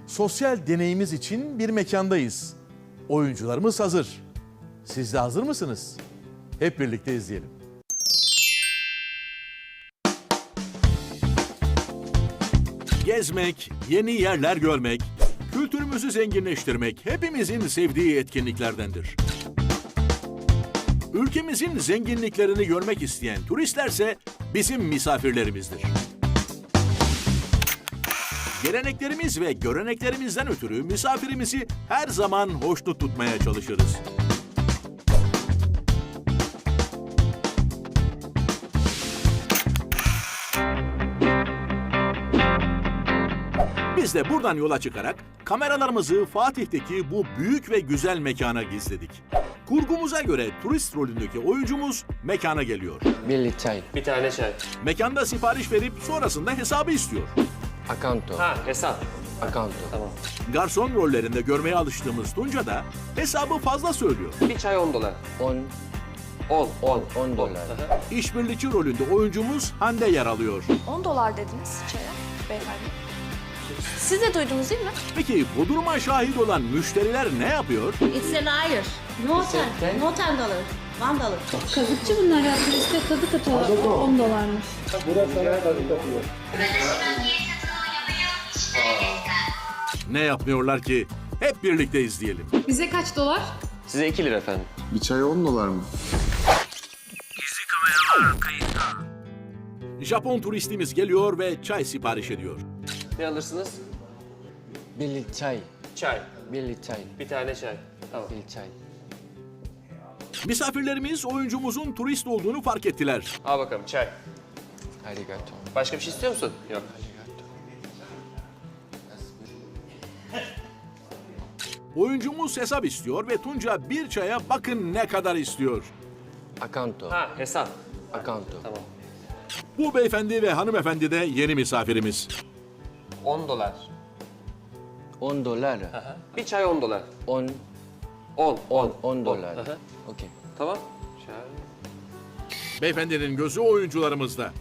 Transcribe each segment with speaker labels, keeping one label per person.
Speaker 1: Sosyal deneyimiz için bir mekandayız. Oyuncularımız hazır. Siz de hazır mısınız? Hep birlikte izleyelim. Gezmek, yeni yerler görmek, kültürümüzü zenginleştirmek hepimizin sevdiği etkinliklerdendir. Ülkemizin zenginliklerini görmek isteyen turistlerse bizim misafirlerimizdir. Geleneklerimiz ve göreneklerimizden ötürü misafirimizi her zaman hoşnut tutmaya çalışırız. Biz de buradan yola çıkarak kameralarımızı Fatih'teki bu büyük ve güzel mekana gizledik. Kurgumuza göre turist rolündeki oyuncumuz mekana geliyor.
Speaker 2: Bir çay.
Speaker 3: Bir tane çay.
Speaker 1: Mekanda sipariş verip sonrasında hesabı istiyor.
Speaker 2: Akanto.
Speaker 3: Ha, hesap.
Speaker 2: Akanto.
Speaker 3: Tamam.
Speaker 1: Garson rollerinde görmeye alıştığımız Tunca da hesabı fazla söylüyor.
Speaker 3: Bir çay 10 dolar.
Speaker 2: 10 dolar.
Speaker 3: Aha.
Speaker 1: İşbirlikçi rolünde oyuncumuz Hande yer alıyor.
Speaker 4: 10 dolar dediniz çaya beyefendi. Siz de duydunuz değil mi?
Speaker 1: Peki bu duruma şahit olan müşteriler ne yapıyor?
Speaker 5: It's an Irish. No 10 dollar. 1 dollar.
Speaker 6: Kazıkçı bunlar ya. Turiste kazık atıyorlar. 10 dolarmış.
Speaker 1: Ne yapmıyorlar ki? Hep birlikte izleyelim.
Speaker 6: Bize kaç dolar?
Speaker 3: Size 2 lira efendim.
Speaker 7: Bir çay 10 dolar mı?
Speaker 1: Japon turistimiz geliyor ve çay sipariş ediyor.
Speaker 3: Ne alırsınız?
Speaker 2: Bir çay.
Speaker 3: Çay.
Speaker 2: Bir çay.
Speaker 3: Bir tane çay. Tamam.
Speaker 2: Bir çay.
Speaker 1: Misafirlerimiz oyuncumuzun turist olduğunu fark ettiler.
Speaker 3: Al bakalım çay.
Speaker 2: Arigato.
Speaker 3: Başka bir şey istiyor musun? Yok.
Speaker 1: Oyuncumuz hesap istiyor ve Tunca bir çaya bakın ne kadar istiyor.
Speaker 2: Akanto.
Speaker 3: Ha, hesap.
Speaker 2: Akanto.
Speaker 3: Tamam.
Speaker 1: Bu beyefendi ve hanımefendi de yeni misafirimiz.
Speaker 3: 10 dolar.
Speaker 2: 10 dolar.
Speaker 3: Aha. Bir çay 10 dolar.
Speaker 2: 10
Speaker 3: 10
Speaker 2: dolar.
Speaker 3: Aha.
Speaker 2: Okey.
Speaker 3: Tamam. Çay.
Speaker 1: Beyefendinin gözü oyuncularımızda.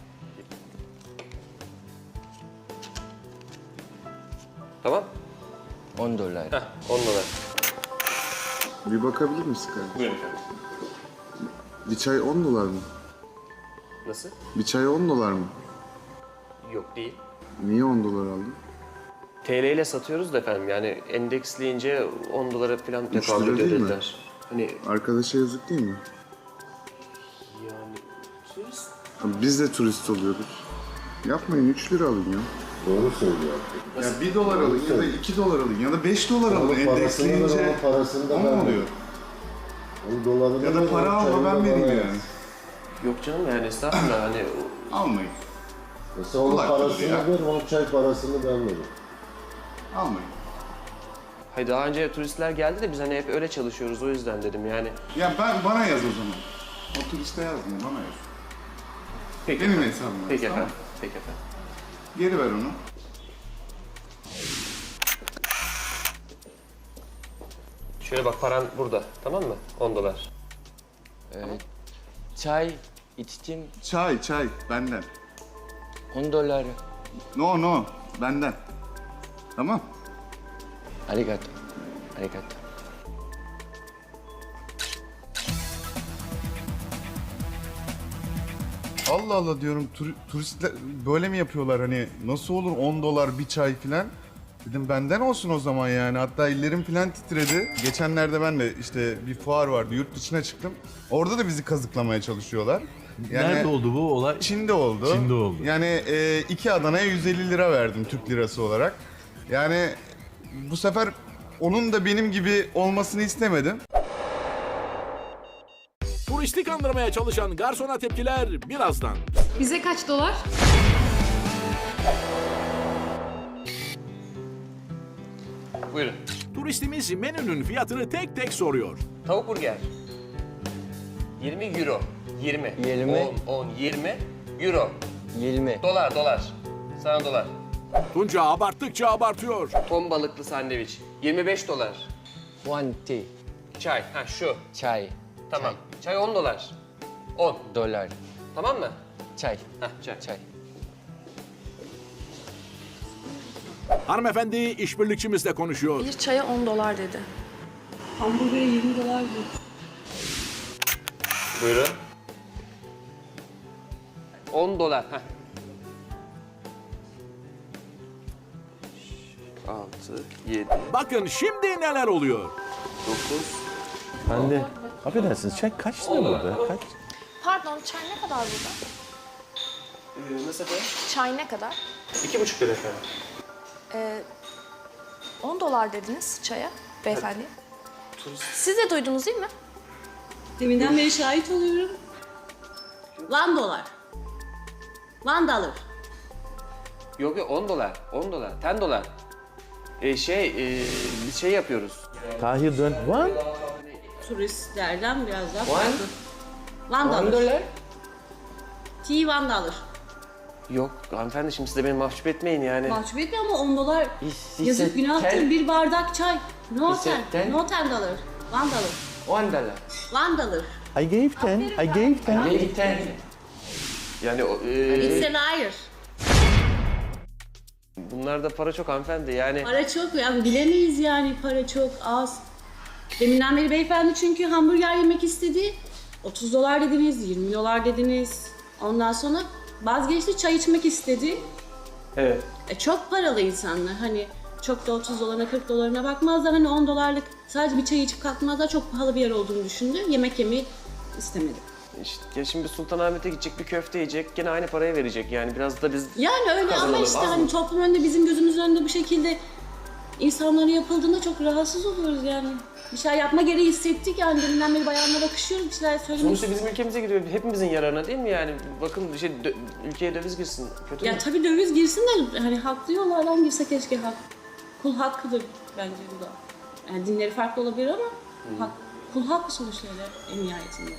Speaker 3: Tamam.
Speaker 2: 10 dolar.
Speaker 3: Heh, 10 dolar.
Speaker 7: Bir bakabilir misin kardeşim?
Speaker 3: Buyurun efendim.
Speaker 7: Bir çay 10 dolar mı?
Speaker 3: Nasıl?
Speaker 7: Bir çay 10 dolar mı?
Speaker 3: Yok değil.
Speaker 7: Niye 10 dolar aldın?
Speaker 3: TL ile satıyoruz da efendim, yani endeksleyince 10 dolara falan
Speaker 7: Üç lira
Speaker 3: tekabül
Speaker 7: değil mi?
Speaker 3: ederler. Hani
Speaker 7: Arkadaşa yazık değil mi?
Speaker 3: yani turist.
Speaker 7: Biz de turist oluyoruz. Yapmayın 3 lira alın ya.
Speaker 8: Doğru söylüyor.
Speaker 7: Ya 1 dolar alın ya da 2 dolar alın ya da 5 dolar alın. Endeksleyince
Speaker 8: Parasını da
Speaker 7: o mu oluyor?
Speaker 8: Onun dolarını
Speaker 7: Ya da para alma ben vereyim yani.
Speaker 3: Yok canım, yani estağfurullah hani
Speaker 7: Almayın.
Speaker 8: Mesela onun
Speaker 7: Kulak
Speaker 8: parasını
Speaker 7: ya.
Speaker 8: ver, onun çay parasını ben veririm.
Speaker 7: Almayın.
Speaker 3: hayır, daha önce turistler geldi de biz hani hep öyle çalışıyoruz, o yüzden dedim yani.
Speaker 7: Ya bana yaz o zaman. O turiste yazmayın bana yaz.
Speaker 3: Peki
Speaker 7: Benim
Speaker 3: efendim.
Speaker 7: hesabıma.
Speaker 3: Peki
Speaker 7: tamam.
Speaker 3: efendim. Peki efendim.
Speaker 7: Geri ver onu.
Speaker 3: Şöyle bak, paran burada, tamam mı? 10 dolar.
Speaker 2: Çay içtim.
Speaker 7: Çay benden.
Speaker 2: 10 dolar.
Speaker 7: No benden. Tamam.
Speaker 2: Arigato. Arigato.
Speaker 9: Allah Allah diyorum turistler böyle mi yapıyorlar hani nasıl olur 10 dolar bir çay filan. Dedim benden olsun o zaman yani hatta ellerim filan titredi. Geçenlerde ben de işte bir fuar vardı yurt dışına çıktım. Orada da bizi kazıklamaya çalışıyorlar. Yani
Speaker 1: Nerede oldu bu olay?
Speaker 9: Çin'de oldu.
Speaker 1: Çin'de oldu.
Speaker 9: Yani 2 Adana'ya 150 lira verdim Türk lirası olarak. Yani bu sefer onun da benim gibi olmasını istemedim.
Speaker 1: Turisti kandırmaya çalışan garsona tepkiler birazdan.
Speaker 6: Bize kaç dolar?
Speaker 3: Buyurun.
Speaker 1: Turistimiz menünün fiyatını tek tek soruyor.
Speaker 3: Tavuk burger. 20 euro. 20.
Speaker 2: 20.
Speaker 3: 10, 20 euro.
Speaker 2: 20.
Speaker 3: Dolar. Sana dolar.
Speaker 1: Tunca abarttıkça abartıyor.
Speaker 3: Ton balıklı sandviç. 25 dolar.
Speaker 2: 1 tea.
Speaker 3: Çay. Ha şu.
Speaker 2: Çay.
Speaker 3: Tamam. Çay 10 dolar. 10.
Speaker 2: Dolar.
Speaker 3: Tamam mı?
Speaker 2: Çay.
Speaker 3: Ha çay.
Speaker 2: Çay.
Speaker 1: Hanımefendi işbirlikçimizle konuşuyor.
Speaker 4: Bir çaya 10 dolar dedi.
Speaker 6: Hamburger'e 20 dolar diyor.
Speaker 3: Buyurun. 10 dolar. Heh. 6, 7,
Speaker 1: Bakın şimdi neler oluyor.
Speaker 3: 9.
Speaker 10: Ben de. Affedersiniz çay kaç lira burada? Kaç?
Speaker 4: Pardon, çay ne kadar burada?
Speaker 3: Nasıl efendim?
Speaker 4: Çay ne kadar?
Speaker 3: 2,5 lira efendim.
Speaker 4: 10 dolar dediniz çaya beyefendi. Siz de duydunuz değil mi?
Speaker 5: Deminden beri şahit oluyorum. $1. $1.
Speaker 3: Yok yok 10 dolar. 10 dolar. 10 dolar. Biz şey yapıyoruz.
Speaker 10: Tahir dön. One.
Speaker 5: Turistlerden biraz daha
Speaker 3: One.
Speaker 5: farklı.
Speaker 3: 10 dolar.
Speaker 5: Tea $1.
Speaker 3: Yok hanımefendi şimdi siz de beni mahcup etmeyin yani.
Speaker 5: Mahcup etmiyor ama $10
Speaker 3: He
Speaker 5: yazık
Speaker 3: said
Speaker 5: günahtır.
Speaker 3: 10.
Speaker 5: Bir bardak çay. No
Speaker 3: He said
Speaker 5: 10.
Speaker 3: 10.
Speaker 5: No $10. $1.
Speaker 3: 10 dolar.
Speaker 5: $1.
Speaker 10: I gave 10. I gave 10.
Speaker 3: Maybe 10. Yani
Speaker 5: It's a liar.
Speaker 3: bunlarda para çok hanımefendi yani.
Speaker 5: Para çok yani bilemeyiz yani para çok az. Deminden beri beyefendi çünkü hamburger yemek istedi. $30 dediniz, $20 dediniz. Ondan sonra vazgeçti çay içmek istedi.
Speaker 3: Evet.
Speaker 5: Çok paralı insanlar hani çok da $30'ına $40'ına bakmazlar. Hani $10'lık sadece bir çay içip kalkmazlar. Çok pahalı bir yer olduğunu düşündü. Yemek yemeyi istemedi.
Speaker 3: İşte ya şimdi Sultanahmet'e gidecek bir köfte yiyecek gene aynı parayı verecek yani biraz da biz
Speaker 5: Yani öyle ama
Speaker 3: kazanalım,
Speaker 5: işte
Speaker 3: az
Speaker 5: hani
Speaker 3: mı?
Speaker 5: toplum önünde bizim gözümüz önünde bu şekilde insanlara yapıldığında çok rahatsız oluyoruz yani. Bir şey yapma gereği hissettik yani deminden beri bayanlara bakışıyoruz bir şeyler söylemek.
Speaker 3: Sonuçta bizim ülkemize giriyor hepimizin yararına değil mi yani bakın ülkeye döviz girsin kötü
Speaker 5: Ya
Speaker 3: mü?
Speaker 5: tabii döviz girsin de hani haklı yollardan girse keşke kul hakkıdır bence bu da. Yani dinleri farklı olabilir ama kul hakkı sonuçta en nihayetinde.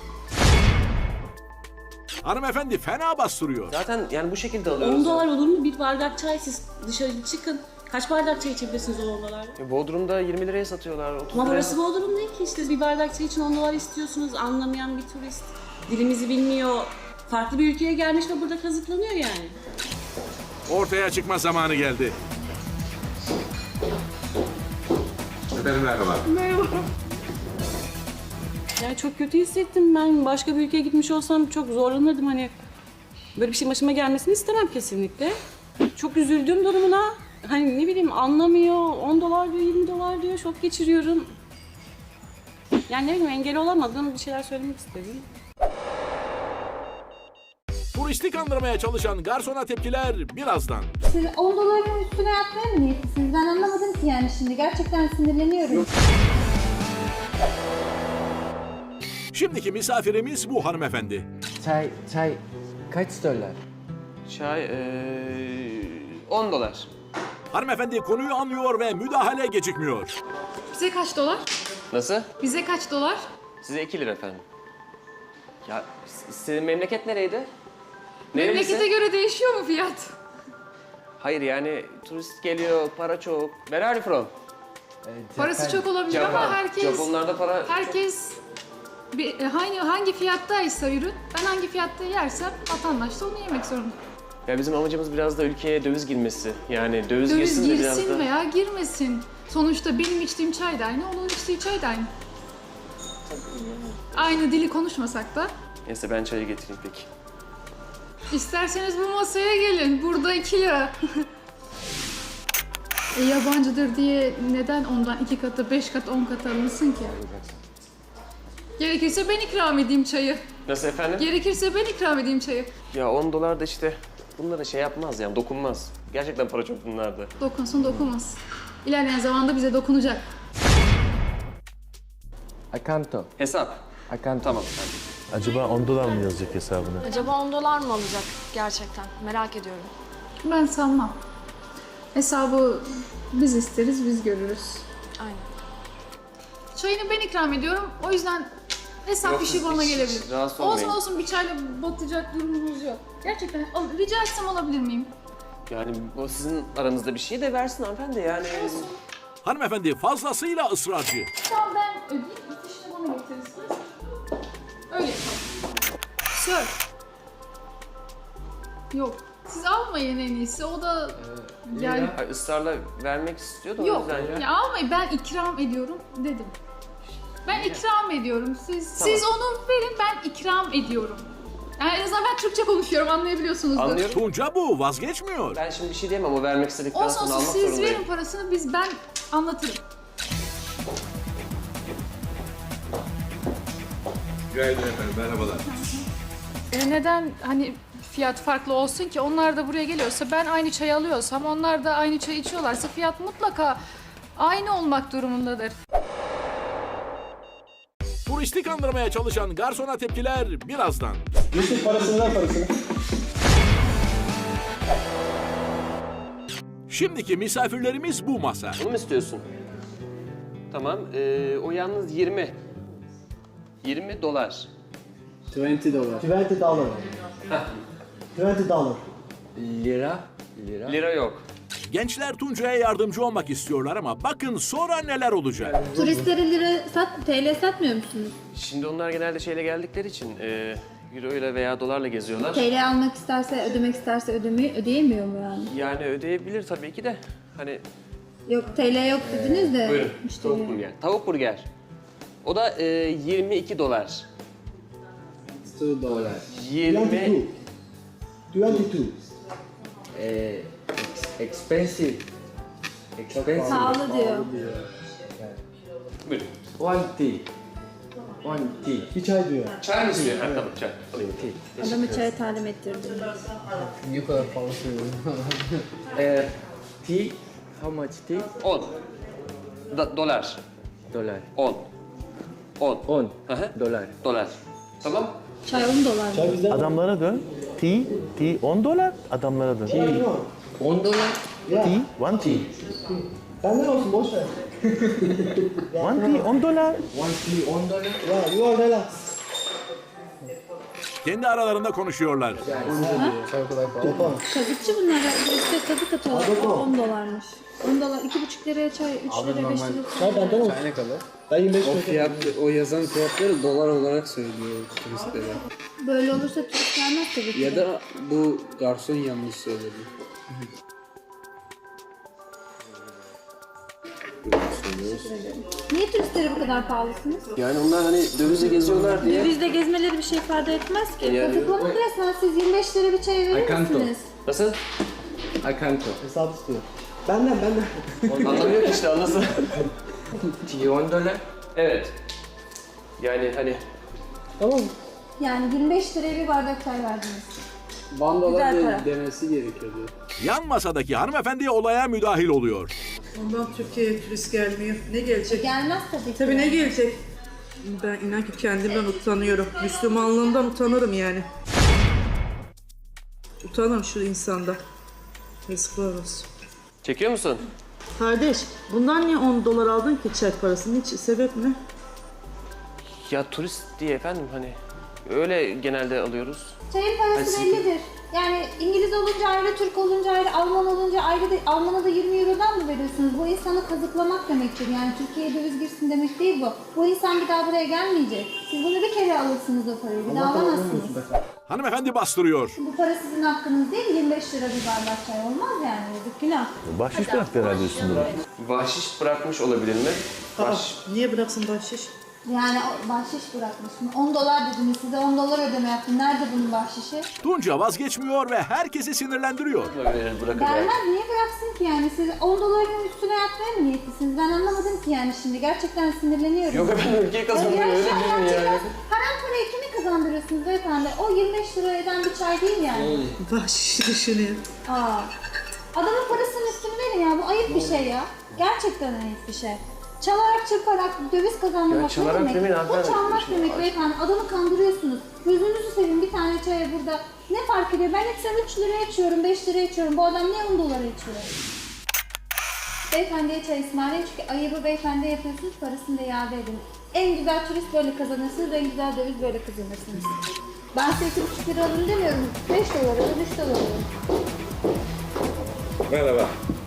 Speaker 1: Hanımefendi fena bastırıyor.
Speaker 3: Zaten yani bu şekilde alıyoruz.
Speaker 5: $10 olur mu bir bardak çay siz dışarı çıkın. Kaç bardak çay içebilirsiniz o $10'larla?
Speaker 3: Bodrum'da 20 liraya satıyorlar 30
Speaker 5: Ama
Speaker 3: liraya
Speaker 5: burası Bodrum değil ki işte bir bardak çay için $10 istiyorsunuz anlamayan bir turist. Dilimizi bilmiyor. Farklı bir ülkeye gelmiş ve burada kazıklanıyor yani.
Speaker 1: Ortaya çıkma zamanı geldi.
Speaker 7: Efendim merhaba.
Speaker 5: Yani çok kötü hissettim ben. Başka bir ülkeye gitmiş olsam çok zorlanırdım hani. Böyle bir şey başıma gelmesini istemem kesinlikle. Çok üzüldüm durumuna. Hani ne bileyim anlamıyor. $10 diyor, $20 diyor. Şok geçiriyorum. Yani ne bileyim engel olamadım. Bir şeyler söylemek istedim.
Speaker 1: Turisti kandırmaya çalışan garsona tepkiler birazdan.
Speaker 6: Siz 10 doların üstüne yatmaya mı niyetlisiniz? Ben anlamadım ki yani şimdi. Gerçekten sinirleniyorum.
Speaker 1: Şimdiki misafirimiz bu hanımefendi.
Speaker 2: Çay kaç dolar?
Speaker 3: Çay 10 dolar.
Speaker 1: Hanımefendi konuyu anlıyor ve müdahale gecikmiyor.
Speaker 11: Bize kaç dolar?
Speaker 3: Nasıl?
Speaker 11: Bize kaç dolar?
Speaker 3: Size 2 lira efendim. Ya senin memleket nereydi?
Speaker 11: Memlekete
Speaker 3: Nerelisin?
Speaker 11: göre değişiyor mu fiyat?
Speaker 3: Hayır yani turist geliyor para çok. Where are you from?
Speaker 11: Parası çok olabilir ama
Speaker 3: Japonlarda para
Speaker 11: herkes hangi fiyattaysa ürün, ben hangi fiyatta yersem vatandaş da onu yemek zorunda.
Speaker 3: Ya bizim amacımız biraz da ülkeye döviz girmesi. Yani döviz
Speaker 11: Döviz
Speaker 3: girsin de biraz
Speaker 11: girsin
Speaker 3: da.
Speaker 11: veya girmesin. Sonuçta benim içtiğim çay da aynı, onun içtiği çay da aynı. Aynı dili konuşmasak da.
Speaker 3: Neyse ben çayı getireyim peki.
Speaker 11: İsterseniz bu masaya gelin. Burada 2 lira. Yabancıdır diye neden ondan 2 katı, 5 katı, 10 katı alınsın ki? Gerekirse ben ikram edeyim çayı.
Speaker 3: Nasıl efendim?
Speaker 11: Gerekirse ben ikram edeyim çayı.
Speaker 3: Ya 10 dolar da işte bunlara şey yapmaz yani dokunmaz. Gerçekten para çok bunlarda.
Speaker 11: Dokunsun dokunmaz. İlerleyen zamanda bize dokunacak.
Speaker 2: Akanto.
Speaker 3: Hesap.
Speaker 2: Akanto.
Speaker 3: Tamam efendim.
Speaker 10: Acaba 10 dolar mı yazacak hesabına?
Speaker 4: Acaba 10 dolar mı alacak gerçekten? Merak ediyorum.
Speaker 11: Ben sanmam. Hesabı biz isteriz, biz görürüz.
Speaker 4: Aynen.
Speaker 11: Çayını ben ikram ediyorum. O yüzden hesap
Speaker 3: Yok,
Speaker 11: işi
Speaker 3: siz
Speaker 11: bana
Speaker 3: hiç
Speaker 11: gelebilir.
Speaker 3: rahatsız
Speaker 11: Olsun
Speaker 3: olmayın.
Speaker 11: olsun bir çayla batacak durumumuz yok. Gerçekten rica etsem alabilir miyim?
Speaker 3: Yani o sizin aranızda bir şey de versin hanımefendi yani.
Speaker 1: Hanımefendi fazlasıyla ısrarcı.
Speaker 11: Tamam ben ödeyeyim. Fişini bana getirirsiniz. Öyle yapalım. Sir. Yok. Siz almayın en iyisi. O da Yani
Speaker 3: Ay, ısrarla vermek istiyordum o
Speaker 11: yok.
Speaker 3: yüzden ya.
Speaker 11: Ya almayın, ben ikram ediyorum dedim. Ben ikram ediyorum. Siz onu verin, ben ikram ediyorum. Yani en azından ben Türkçe konuşuyorum, anlayabiliyorsunuzdur.
Speaker 3: Anlıyorum.
Speaker 1: Tunca bu vazgeçmiyor.
Speaker 3: Ben şimdi bir şey diyemem, o vermek istedikten
Speaker 11: Olsun
Speaker 3: sonra
Speaker 11: olsun,
Speaker 3: almak
Speaker 11: siz
Speaker 3: zorundayım.
Speaker 11: verin parasını, ben anlatırım.
Speaker 1: Günaydın efendim, merhabalar.
Speaker 11: Neden hani fiyat farklı olsun ki? Onlar da buraya geliyorsa, ben aynı çayı alıyorsam, onlar da aynı çayı içiyorlarsa fiyat mutlaka aynı olmak durumundadır.
Speaker 1: Turisti kandırmaya çalışan garsona tepkiler birazdan.
Speaker 2: Yusuf parasını ver parasını.
Speaker 1: Şimdiki misafirlerimiz bu masa.
Speaker 3: Bunu mu istiyorsun? Tamam, o yalnız 20. 20 dolar.
Speaker 2: $20. $20. $20. Lira.
Speaker 3: Lira yok.
Speaker 1: Gençler Tunca'ya yardımcı olmak istiyorlar ama bakın sonra neler olacak.
Speaker 6: Turistlere lira TL satmıyor musunuz?
Speaker 3: Şimdi onlar genelde şeyle geldikleri için euro ile veya dolarla geziyorlar.
Speaker 6: TL almak isterse, ödemek isterse ödeyemiyor mu yani?
Speaker 3: Yani ödeyebilir tabii ki de. Hani
Speaker 6: Yok TL yok dediniz de.
Speaker 3: buyurun,
Speaker 6: müşteri.
Speaker 3: tavuk burger. Tavuk burger. O da 22 dolar.
Speaker 2: $2.
Speaker 3: 20
Speaker 2: 22. Expensive. Expensive.
Speaker 6: Pahalı diyor.
Speaker 3: Buyurun.
Speaker 2: One tea. Bir çay diyor.
Speaker 3: Çay mı istiyor? Ha, tamam çay. Alayım.
Speaker 6: Adamı çaya talim ettirdim.
Speaker 2: Ne kadar pahalı söylüyorum. Tea. How much tea?
Speaker 3: 10. Dolar.
Speaker 2: Dolar.
Speaker 3: 10. 10.
Speaker 2: 10
Speaker 3: Hı hı.
Speaker 2: dolar.
Speaker 3: Dolar. Tamam.
Speaker 6: Çay 10 dolar.
Speaker 2: Çay bizden.
Speaker 10: Adamlara dön. Tea 10 dolar. Adamlara dön.
Speaker 2: $10.
Speaker 10: Tea, one tea.
Speaker 2: Benden olsun boş ver.
Speaker 10: One tea 10 dolar.
Speaker 2: One tea $10. Yeah, you are relax.
Speaker 1: Kendi aralarında konuşuyorlar.
Speaker 2: Çay o kadar pahalı.
Speaker 6: Kazıkçı bunlar. İşte kazık atıyorlar. 10 dolarmış. 10 dolar. 2,5 liraya çay, 3 liraya 5 liraya
Speaker 2: Çay benden olsun.
Speaker 12: Ne kadar?
Speaker 2: Ben 25
Speaker 12: O fiyat, o yazan fiyatları dolar olarak söylüyor turistlere.
Speaker 6: Böyle olursa turist gelmez tabii ki.
Speaker 12: Ya da bu garson yanlış söyledi.
Speaker 6: Niye turistlere bu kadar pahalısınız?
Speaker 3: Yani onlar hani dövizle geziyorlar diye.
Speaker 6: Dövizle gezmeleri bir şey ifade etmez ki.
Speaker 3: Yani-
Speaker 6: Kazıklamak resmen, siz 25 lira bir çay verir
Speaker 12: Akanto.
Speaker 6: misiniz?
Speaker 3: Nasıl?
Speaker 12: Akanto.
Speaker 2: hesap istiyor. Benden.
Speaker 3: Anlamıyor ki işte, anlasın.
Speaker 12: Tea $10.
Speaker 3: Evet. Yani hani
Speaker 2: Tamam.
Speaker 6: Yani 25 liraya bir bardak çay verdiniz.
Speaker 12: Bandolar
Speaker 6: Güzel para.
Speaker 12: demesi gerekiyordu.
Speaker 1: Yan masadaki hanımefendi olaya müdahil oluyor.
Speaker 13: Ondan Türkiye'ye turist gelmiyor. Ne gelecek?
Speaker 6: Gelmez tabii ki.
Speaker 13: Tabii ne gelecek? Ben inan ki kendimden utanıyorum. Müslümanlığımdan utanırım yani. Utanırım şu insanda. Yazıklar olsun.
Speaker 3: çekiyor musun?
Speaker 13: Kardeş, bundan niye 10 dolar aldın ki çay parasını? Hiç sebep ne?
Speaker 3: Ya turist diye efendim, hani öyle genelde alıyoruz.
Speaker 6: Çayın parası
Speaker 3: Ay,
Speaker 6: bellidir. Yani İngiliz olunca ayrı, Türk olunca ayrı, Alman olunca ayrı. Alman'a da 20 Euro'dan mı veriyorsunuz? Bu insanı kazıklamak demektir. Yani Türkiye'ye döviz girsin demek değil bu. Bu insan bir daha buraya gelmeyecek. Siz bunu bir kere alırsınız o parayı. Bir daha alamazsınız.
Speaker 1: Hanımefendi bastırıyor.
Speaker 6: Bu para sizin hakkınız değil. 25 lira bir bardak çay olmaz yani. Yazık, günah.
Speaker 10: Bahşiş bıraktı herhalde üstünde.
Speaker 3: Bahşiş bırakmış olabilir mi?
Speaker 13: Niye bıraksın bahşiş?
Speaker 6: Yani bahşiş bırakmış mı? 10 dolar dediniz, size 10 dolar ödeme yaptım. Nerede bunun bahşişi?
Speaker 1: Tunca vazgeçmiyor ve herkesi sinirlendiriyor.
Speaker 3: Bırakın.
Speaker 6: Vermez, niye bıraksın ki yani? Siz 10 doların üstüne yatmaya mı niyetlisiniz? Ben anlamadım ki yani şimdi. Gerçekten sinirleniyorum.
Speaker 3: Yok efendim, ülkeyi kazanıyor,
Speaker 6: Ya
Speaker 3: öyle
Speaker 6: şu an
Speaker 3: değil mi
Speaker 6: gerçekten
Speaker 3: yani?
Speaker 6: haram parayı kimi kazandırıyorsunuz beyefendi? O 25 lira eden bir çay değil yani.
Speaker 13: Bahşişi düşünüyor.
Speaker 6: Aa. Adamın parasının üstünü verin ya. Bu ayıp bir şey ya. Gerçekten ayıp bir şey. Çalarak çırparak döviz kazandırmak
Speaker 3: Ya çalarak
Speaker 6: ne demek?
Speaker 3: demeyin
Speaker 6: O
Speaker 3: hanımefendi.
Speaker 6: çalmak demek beyefendi. Adamı kandırıyorsunuz. Gözünüzü seveyim, bir tane çaya burada. Ne fark ediyor? Ben hepsini 3 liraya içiyorum, 5 liraya içiyorum. Bu adam niye 10 dolara içiyor? Beyefendiye çay ısmarlayın çünkü ayıbı beyefendiye yapıyorsunuz, parasını da iade edin. En güzel turist böyle kazanırsınız, en güzel döviz böyle kazanırsınız. Ben size 2,5 lira alın demiyorum. 5 dolar alın, 3 dolar alın.
Speaker 3: Merhaba.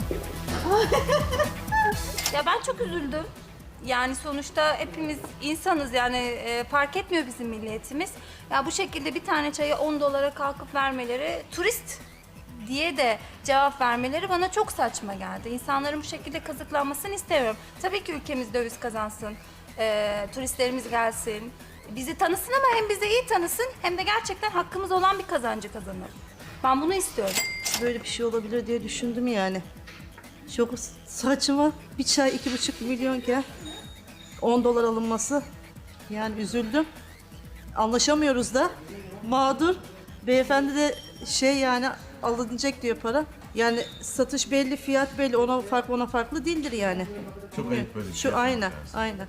Speaker 14: Ya ben çok üzüldüm. Yani sonuçta hepimiz insanız yani fark etmiyor bizim milliyetimiz. Ya bu şekilde bir tane çayı 10 dolara kalkıp vermeleri turist diye de cevap vermeleri bana çok saçma geldi. İnsanların bu şekilde kazıklanmasını istemiyorum. Tabii ki ülkemiz döviz kazansın, turistlerimiz gelsin, bizi tanısın ama hem bizi iyi tanısın hem de gerçekten hakkımız olan bir kazancı kazanalım. Ben bunu istiyorum.
Speaker 13: Böyle bir şey olabilir diye düşündüm yani. Çok saçma. Bir çay 2,5 milyonken 10 dolar alınması. Yani üzüldüm. Anlaşamıyoruz da. Mağdur. Beyefendi de yani alınacak diyor para. Yani satış belli, fiyat belli. Ona farklı değildir yani.
Speaker 9: Çok ayıp böyle bir şey.
Speaker 13: Aynen.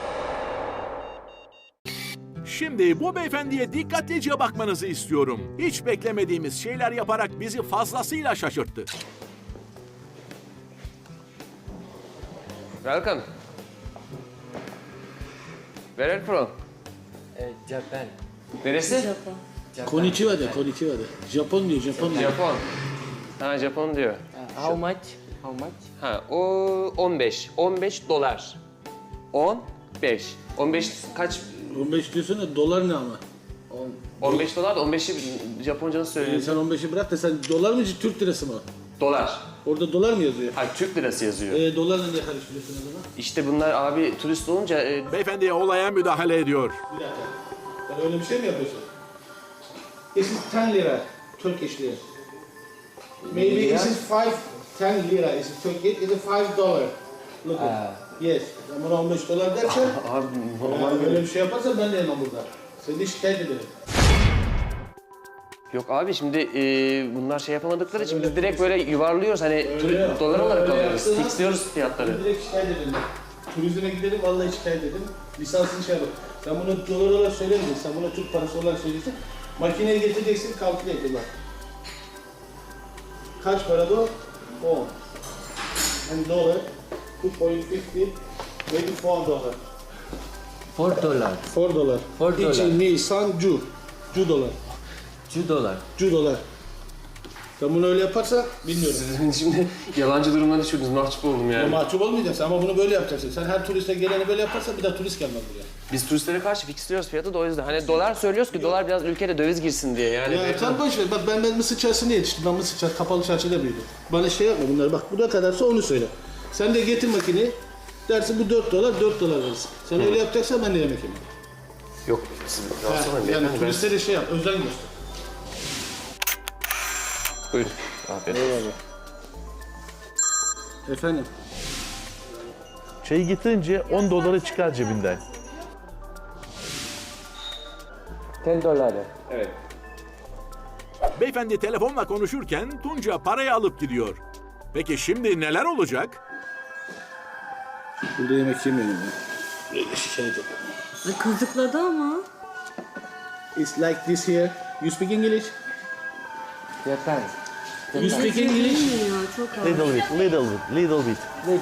Speaker 1: Şimdi bu beyefendiye dikkatlice bakmanızı istiyorum. Hiç beklemediğimiz şeyler yaparak bizi fazlasıyla şaşırttı.
Speaker 3: Welcome. Where are you from?
Speaker 12: Japan.
Speaker 3: Neresi?
Speaker 12: Konnichiwa de. Japon diyor.
Speaker 3: Japon. Ha, Japon diyor.
Speaker 12: How much?
Speaker 3: Ha, o 15. 15 dolar. 15. 15 kaç?
Speaker 12: 15 diyorsun da dolar ne ama?
Speaker 3: 15 dolar da 15'i Japonca nasıl söylüyorsun?
Speaker 12: Sen 15'i bırak da sen dolar mı Türk lirası mı?
Speaker 3: Dolar.
Speaker 12: Orada dolar mı yazıyor?
Speaker 3: Ha, Türk lirası yazıyor.
Speaker 12: Dolarla ne karıştırıyorsun o zaman?
Speaker 3: İşte bunlar abi turist olunca...
Speaker 1: Beyefendiye olaya müdahale ediyor.
Speaker 12: Bir dakika. Sen öyle bir şey mi yapıyorsun? This is 10 lira. Turkish lira. Maybe this is 10 lira. This is Turkish. This is $5. Look at. Yes. Sen bana 15 dolar dersen...
Speaker 3: Abi
Speaker 12: normal böyle bir şey yaparsan ben de yemem burada. Seni de şikayet ederim.
Speaker 3: Yok abi şimdi bunlar şey yapamadıkları için biz direkt böyle yuvarlıyoruz hani dolar olarak alıyoruz. Fixliyoruz fiyatları.
Speaker 12: Direkt şikayet edelim. Turizme gidelim, vallahi şikayet edelim. Lisansını şey yapalım. Sen bunu dolar olarak söylemeyeceksin, sen bunu Türk parası olarak söyleyeceksin. Makineye getireceksin, kalküle edin bak. Kaç para bu? 10. And dolar, 2.50, maybe $4. $4.
Speaker 3: $4.
Speaker 12: Each in Nisan, Ju dolar. Ju dolar. Sen bunu öyle yaparsan bilmiyorum.
Speaker 3: Sizin şimdi yalancı durumdan düşürdünüz, mahcup oldum yani.
Speaker 12: Mahcup olmayacaksın ama bunu böyle yapacaksın. Sen her turiste geleni böyle yaparsan bir daha turist gelmez buraya.
Speaker 3: Biz turistlere karşı fixliyoruz fiyatı da o yüzden. Hani dolar söylüyoruz ki dolar biraz ülkede döviz girsin diye yani.
Speaker 12: Ya sen boş ver. Bak ben Mısır çarşısında yetiştim. Ben Mısır çarşısı, kapalı çarşıda büyüdüm. Bana şey yapma bunları. Bak bu ne kadarsa onu söyle. Sen de getir makineyi. Dersin bu $4, $4 verirsin. Sen öyle yapacaksan ben de yemek yemem.
Speaker 3: Yok, siz rahatsız olmayın.
Speaker 12: Yani turistlere şey yap, özen göster.
Speaker 3: Buyurun, afiyet olsun.
Speaker 12: Efendim?
Speaker 10: Çayı getirince 10 doları çıkar cebinden.
Speaker 12: $10.
Speaker 3: Evet.
Speaker 1: Beyefendi telefonla konuşurken Tunca parayı alıp gidiyor. Peki şimdi neler olacak?
Speaker 12: Burada yemek yemeyelim ya. Böyle şikayet et.
Speaker 5: Kızıkladı ama.
Speaker 12: It's like this here. You speak English?
Speaker 2: Japan.
Speaker 12: You speak English?
Speaker 10: Little bit.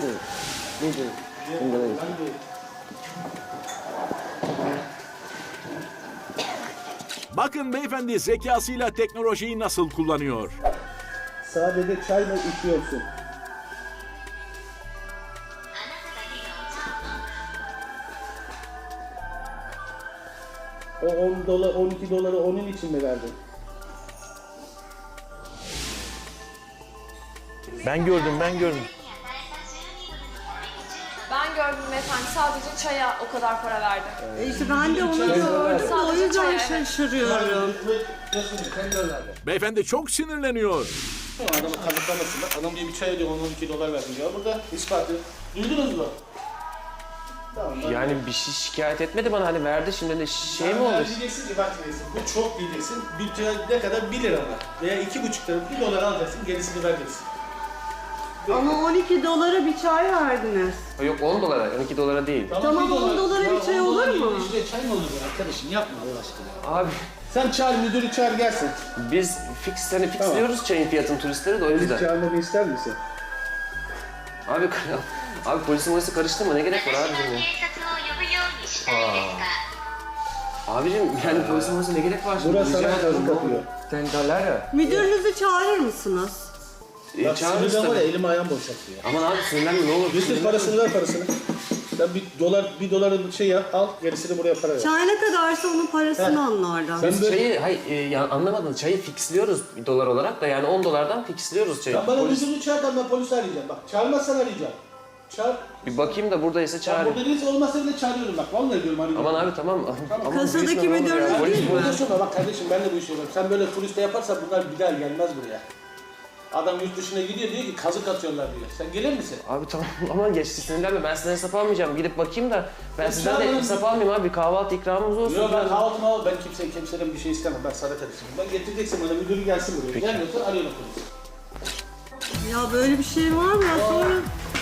Speaker 1: Bakın beyefendi zekasıyla teknolojiyi nasıl kullanıyor.
Speaker 12: Sadece çay mı içiyorsun? O $10, $12 onun için mi verdin?
Speaker 10: Ben gördüm.
Speaker 4: Ben gördüm efendim. Sadece çaya o kadar para verdi.
Speaker 5: İşte ben de onu gördüm. O yüzden şaşırıyorum.
Speaker 1: Beyefendi çok sinirleniyor.
Speaker 12: Adamı kazıklamasın bak. Adam diye bir çay ödüyor, $12 verdim diyor. Burada ispatı. Duydunuz mu? Tamam.
Speaker 3: Yani bir şey şikayet etmedi bana hani verdi şimdi de şey mi olur?
Speaker 12: Diyeceksin ki bak diyeceksin. Bu çok diyeceksin. Bir çay ne kadar? 1 lira mı? Veya $2,5 $1 alacaksın. Gerisini vereceksin.
Speaker 5: Ama $12 bir çay verdiniz.
Speaker 3: Yok 10 dolara, 12 dolara değil.
Speaker 5: Tamam, $10 bir çay olur mu?
Speaker 12: İşte çay mı olur bu arkadaşım? Yapma Allah aşkına.
Speaker 3: Abi
Speaker 12: Sen çağır, müdürü çağır gelsin.
Speaker 3: biz fixliyoruz çayın fiyatını turistlere de o yüzden.
Speaker 12: Çağırmamı ister misin?
Speaker 3: Abi polisin karıştırma ne gerek var abicim ya? Abicim yani polisin ne gerek var şimdi?
Speaker 12: Burası sana kazık atıyor.
Speaker 3: $10.
Speaker 5: Müdürünüzü çağırır mısınız?
Speaker 12: Bak
Speaker 3: Çağırırız
Speaker 12: sinirden var ya
Speaker 3: tabii.
Speaker 12: elim ayağım boşaltıyor.
Speaker 3: Aman abi sinirlenme ne olur.
Speaker 12: Götür parasını ver parasını. Sen bir doları şey yap, al, gerisini buraya para ver.
Speaker 5: Çay ne kadarsa onun parasını anlardan.
Speaker 12: Sen
Speaker 3: Biz
Speaker 12: böyle-
Speaker 3: çayı, anlamadın, çayı fixliyoruz bir dolar olarak da yani 10 dolardan fixliyoruz çayı.
Speaker 12: Sen bana
Speaker 3: Polis-
Speaker 12: müdürünü çağır da ben polisi arayacağım. Bak çağırmazsan arayacağım. Çağır.
Speaker 3: Bir bakayım da buradaysa
Speaker 12: Sen
Speaker 3: çağırayım.
Speaker 12: burada değilse olmazsa bile çağırıyorum bak. Vallahi diyorum arayacağım.
Speaker 3: Aman abi tamam. Aman
Speaker 5: Kasadaki
Speaker 3: büyütme ne olur
Speaker 5: müdür
Speaker 3: ya.
Speaker 5: değil
Speaker 3: Polis
Speaker 5: mi?
Speaker 3: burada.
Speaker 12: Burada sonra bak kardeşim ben de bu işi yapıyorum. Sen böyle turiste yaparsan bunlar bir daha gelmez buraya. Adam yurt dışına gidiyor diyor ki kazık atıyorlar diyor. Sen gelir misin?
Speaker 3: Abi tamam aman geçti sinirlenme ben sizden hesap almayacağım. Gidip bakayım da ben
Speaker 12: Ya
Speaker 3: sizden de
Speaker 12: çağırın.
Speaker 3: hesap almayayım abi. Kahvaltı ikramımız olsun.
Speaker 12: Yok ben kahvaltımı al. Ben kimseden bir şey istemem. Ben sana kardeşim. Ben getireceksin bana müdürü gelsin buraya.
Speaker 3: Peki.
Speaker 12: Gelmiyorsa arıyorum polisi.
Speaker 5: Ya böyle bir şey var mı ya sonra?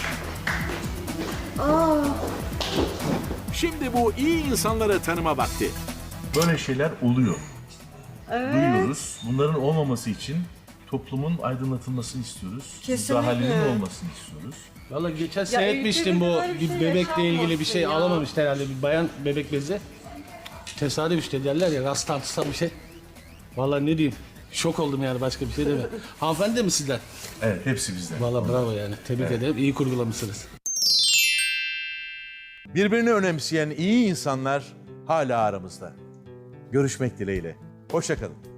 Speaker 1: Şimdi bu iyi insanları tanıma vakti.
Speaker 10: Böyle şeyler oluyor. Duyuyoruz. Bunların olmaması için toplumun aydınlatılmasını istiyoruz.
Speaker 5: Kesinlikle.
Speaker 10: Müdahalenin olmasını istiyoruz.
Speaker 12: Valla geçen
Speaker 5: ülkede
Speaker 12: seyretmiştim bu
Speaker 5: böyle bir
Speaker 12: bir
Speaker 5: şey
Speaker 12: bebekle ilgili bir
Speaker 5: yaşanmasın
Speaker 12: şey
Speaker 5: ya.
Speaker 12: alamamıştı herhalde bir bayan bebek bezi. Tesadüf işte derler ya rastlantısal bir şey. Valla ne diyeyim şok oldum yani başka bir şey deme. Hanımefendi de mi sizden?
Speaker 10: Evet, hepsi bizden.
Speaker 12: Valla bravo yani tebrik ederim iyi kurgulamışsınız.
Speaker 1: Birbirini önemseyen iyi insanlar hala aramızda. Görüşmek dileğiyle. Hoşça kalın.